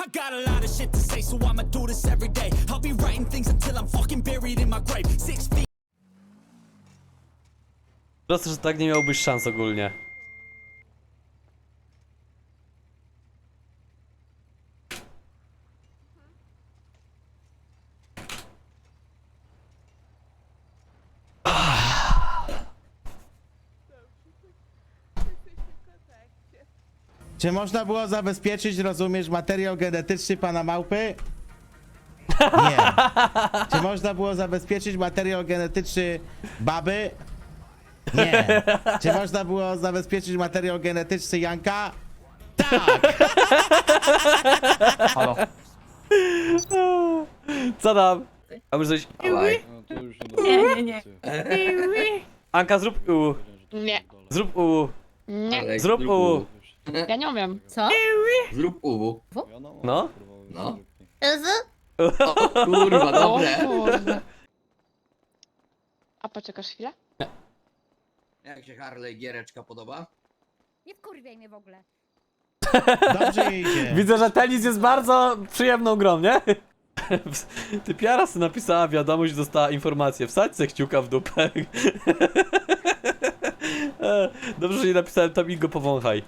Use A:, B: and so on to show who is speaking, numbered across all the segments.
A: got a lot of shit to say, so I'ma do this every day. I'll be writing things until I'm fucking buried in my grave. 6 feet.
B: Proste, że tak nie miałbyś szans ogólnie.
C: Czy można było zabezpieczyć, rozumiesz, materiał genetyczny pana małpy? Nie. Czy można było zabezpieczyć materiał genetyczny baby? Nie. Czy można było zabezpieczyć materiał genetyczny Janka? Tak!
D: Halo.
B: Co tam? A może coś...
D: Dawaj.
E: Nie.
B: Anka, zrób u.
E: Nie.
B: Zrób u.
E: Nie.
D: Alek,
B: Zrób u.
E: Ja nie umiem.
F: Co?
D: Zrób u.
B: No.
D: No.
F: Z?
D: O kurwa,
E: O
D: dobre.
E: kurde. A poczekasz chwilę?
D: Jak się Harley giereczka podoba?
F: Nie wkurwiaj mnie w ogóle.
C: Dobrze jej idzie.
B: Widzę, że tenis jest bardzo przyjemną grą, nie? Ty Piara sobie napisała wiadomość, dostała informację. Wsadź se kciuka w dupę. Dobrze, że nie napisałem tam i go powąchaj.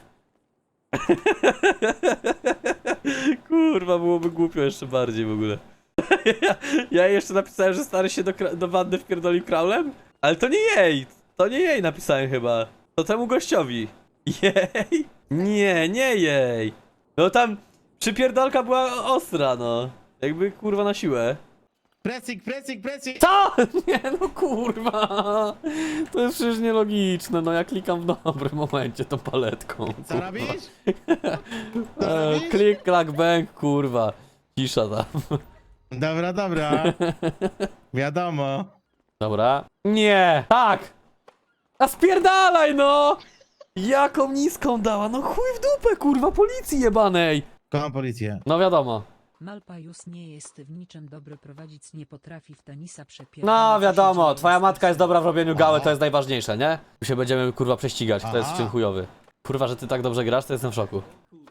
B: Kurwa, byłoby głupio jeszcze bardziej w ogóle. Ja jeszcze napisałem, że stary się do wanny wpierdolił kraulem? Ale to nie jej! To nie jej napisałem chyba. To temu gościowi. Jej? Nie jej. No tam przypierdolka była ostra, no. Jakby kurwa na siłę.
C: Pressing, pressing, pressing!
B: Co? Nie no kurwa. To jest przecież nielogiczne, no ja klikam w dobrym momencie tą paletką.
C: Co
B: kurwa.
C: robisz? Co robisz?
B: Klik, klak, bang, kurwa. Cisza tam.
C: Dobra, dobra. Wiadomo.
B: Dobra. Nie! Tak! A spierdalaj no! Jaką niską dała? No chuj w dupę, kurwa, policji jebanej!
C: Kocham policję.
B: No wiadomo.
G: Malpajus nie jest w niczym dobry, prowadzić nie potrafi, w tenisa przepierdala.
B: No wiadomo,
G: Siedzi
B: twoja matka jest dobra w robieniu gały,
C: Aha.
B: to jest najważniejsze, nie? Tu się będziemy kurwa prześcigać, kto jest
C: Aha.
B: w czym chujowy. Kurwa, że ty tak dobrze grasz, to jestem w szoku.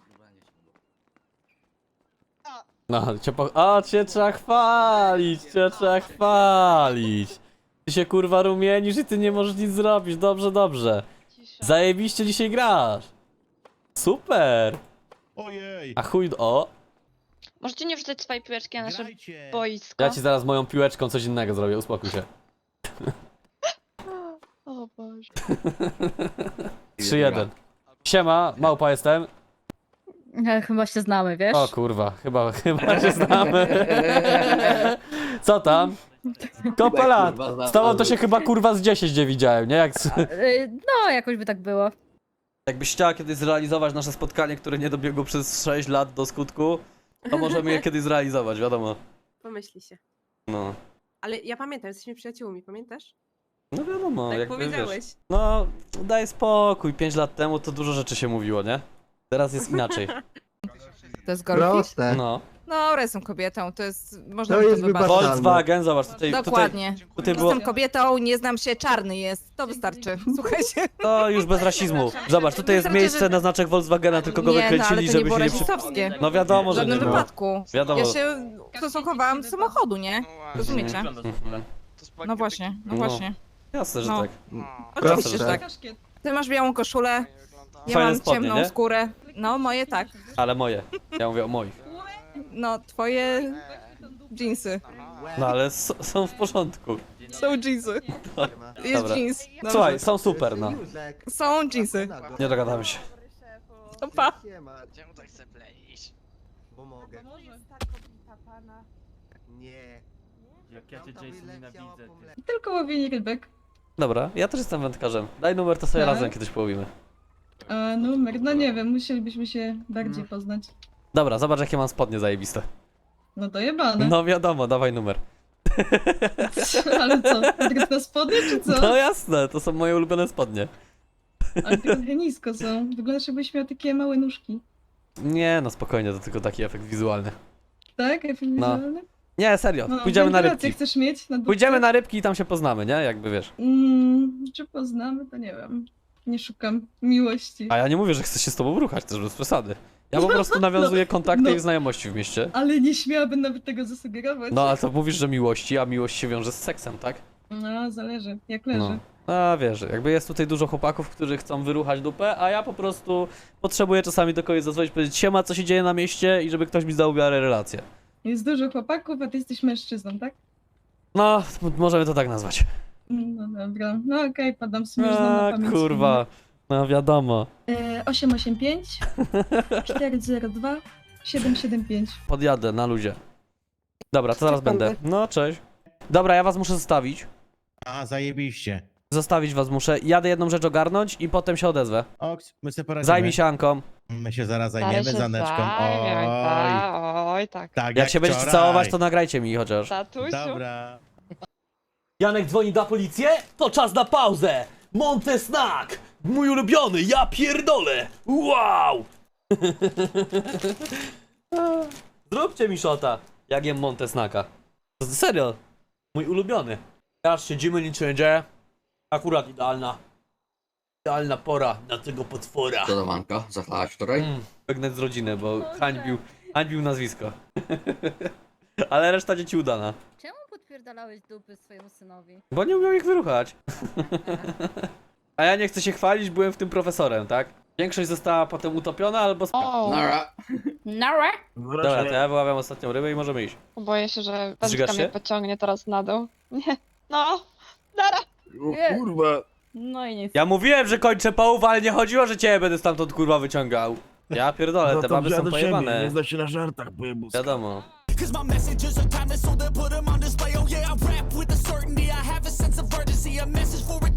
B: No, cię trzeba chwalić, cię trzeba chwalić. Ty się kurwa rumienisz i ty nie możesz nic zrobić, dobrze.
E: Cisza.
B: Zajebiście dzisiaj grasz. Super.
C: Ojej.
B: A chuj, o.
E: Możecie nie wrzucać swojej piłeczki na nasze
C: Grajcie.
E: boisko?
B: Ja ci zaraz moją piłeczką coś innego zrobię, uspokój się.
E: O Boże.
B: 3-1. Siema, małpa jestem.
F: Chyba się znamy, wiesz?
B: O kurwa, chyba się znamy. Co tam? Kopę lat. Z tobą to się chyba kurwa z 10 nie widziałem, nie?
F: No, jakoś by tak było.
B: Jakbyś chciała kiedyś zrealizować nasze spotkanie, które nie dobiegło przez 6 lat do skutku, to możemy je kiedyś zrealizować, wiadomo.
H: Pomyśli się.
B: No.
H: Ale ja pamiętam, jesteśmy przyjaciółmi, pamiętasz?
B: No wiadomo,
H: Tak
B: jakby
H: powiedziałeś.
B: wiesz. No, daj spokój, 5 lat temu to dużo rzeczy się mówiło, nie? Teraz jest inaczej.
I: To jest golfik?
J: Proste.
B: No.
I: No, jestem kobietą, to jest... Można
J: To
I: mi
J: jest
I: wybaczyć.
J: wybaczalne.
B: Volkswagen, zobacz, tutaj
I: Dokładnie.
B: tutaj było...
I: Jestem kobietą, nie znam się, czarny jest. To wystarczy. Słuchajcie.
B: To już bez rasizmu. Zobacz, tutaj jest
I: Wystarczy,
B: miejsce
I: że-
B: na znaczek Volkswagena, tylko go
I: Nie, no, ale
B: wykręcili,
I: to nie
B: żeby
I: było
B: się nie przy...
I: rasistowskie.
B: No wiadomo,
I: W
B: że nie
I: żadnym
B: było.
I: wypadku.
B: Wiadomo.
I: Ja się ustosunkowałam do samochodu, nie? Rozumiecie?
B: Mhm.
I: No właśnie, no
B: No.
I: właśnie.
B: Jasne, że
I: No.
B: tak.
I: Oczywiście, że
J: Proste.
I: tak. Ty masz białą koszulę, ja
B: Fajne
I: mam
B: spodnie,
I: ciemną
B: nie?
I: skórę. No, moje tak.
B: Ale moje. Ja mówię o moich.
I: No, twoje dżinsy.
B: No ale są w porządku.
I: Są dżinsy. Jest
B: Dobra.
I: jeans. Dobrze.
B: Słuchaj, są super, no.
I: Są dżinsy.
B: Nie dogadamy się.
I: No pa.
J: Czemu tak chcę pleić? Bo mogę. Nie. Jak ja cię Jason nienawidzę.
E: Tylko łowienie rybek.
B: Dobra, ja też jestem wędkarzem. Daj numer, to sobie
E: Tak.
B: razem kiedyś połowimy.
E: A numer, no nie wiem, musielibyśmy się bardziej poznać.
B: Dobra, zobacz jakie mam spodnie zajebiste.
E: No dojebane.
B: No wiadomo, dawaj numer.
E: Ale co, tylko na spodnie czy co?
B: No jasne, to są moje ulubione spodnie.
E: Ale trochę nisko są. Wyglądasz jakbyś miał takie małe nóżki.
B: Nie, no spokojnie, to tylko taki efekt wizualny.
E: Tak? Efekt wizualny?
B: Nie, serio,
E: No,
B: pójdziemy na
E: wentylację
B: rybki.
E: chcesz mieć na dupce?
B: Pójdziemy na rybki i tam się poznamy, nie? Jakby wiesz.
E: Czy poznamy, to nie wiem. Nie szukam miłości.
B: A ja nie mówię, że chcę się z tobą ruchać, też bez przesady. Ja po prostu nawiązuję kontakty
E: no.
B: i znajomości w mieście.
E: Ale nie śmiałabym nawet tego zasugerować.
B: No, a to mówisz, że miłości, a miłość się wiąże z seksem, tak?
E: No, zależy, jak leży.
B: No. A wiesz, jakby jest tutaj dużo chłopaków, którzy chcą wyruchać dupę, a ja po prostu potrzebuję czasami do kogoś zadzwonić, powiedzieć siema, co się dzieje na mieście i żeby ktoś mi zdał w miarę relację.
E: Jest dużo chłopaków, a ty jesteś mężczyzną, tak?
B: No, możemy to tak nazwać.
E: No dobra, no okej, podam sobie na
B: A,
E: pamięć.
B: kurwa. No wiadomo.
E: 885 402 775.
B: Podjadę na luzie. Dobra, to zaraz
H: Sekundy.
B: będę. No, cześć. Dobra, ja was muszę zostawić.
C: A, zajebiście.
B: Zostawić was muszę. Jadę jedną rzecz ogarnąć i potem się odezwę.
C: Oks, my sobie poradzimy.
B: Zajmij się Anką.
C: My się zaraz zajmiemy Zaneczką. Oj,
K: Oj, tak.
C: tak
B: Jak się będziecie
C: wczoraj.
B: całować, to nagrajcie mi chociaż.
K: Tatusiu.
C: Dobra.
B: Janek dzwoni na policję? To czas na pauzę! Monte Snack! Mój ulubiony, ja pierdolę! Wow! Zróbcie mi shota, jak jem Monte Snacka. Serio, mój ulubiony. Teraz siedzimy, nic się nie dzieje. Akurat idealna pora na tego potwora.
D: Dodawanka, zachlałaś wczoraj?
B: Biegnę z rodziny, bo hańbił nazwisko. Ale reszta dzieci udana.
F: Czemu podpierdalałeś dupy swojemu synowi?
B: Bo nie umiał ich wyruchać. A ja nie chcę się chwalić, byłem w tym profesorem, tak? Większość została potem utopiona albo
D: Nara.
F: Nara!
B: Dobra, to ja wyławiam ostatnią rybę i możemy iść.
K: Boję się, że
B: Zżygasz
K: wędka mnie
B: się?
K: pociągnie teraz na dół. Nie. No. Nara.
F: Nie.
D: Kurwa.
F: No i nic.
B: Ja mówiłem, że kończę połów, ale nie chodziło, że ciebie będę stamtąd kurwa wyciągał. Ja pierdolę, te baby są pojebane.
J: Nie zda się na żartach, pojebus.
B: Wiadomo.
A: Cause my messages are timeless, so they put them on display. Oh yeah, I rap with a certainty. I have a sense of urgency, a message for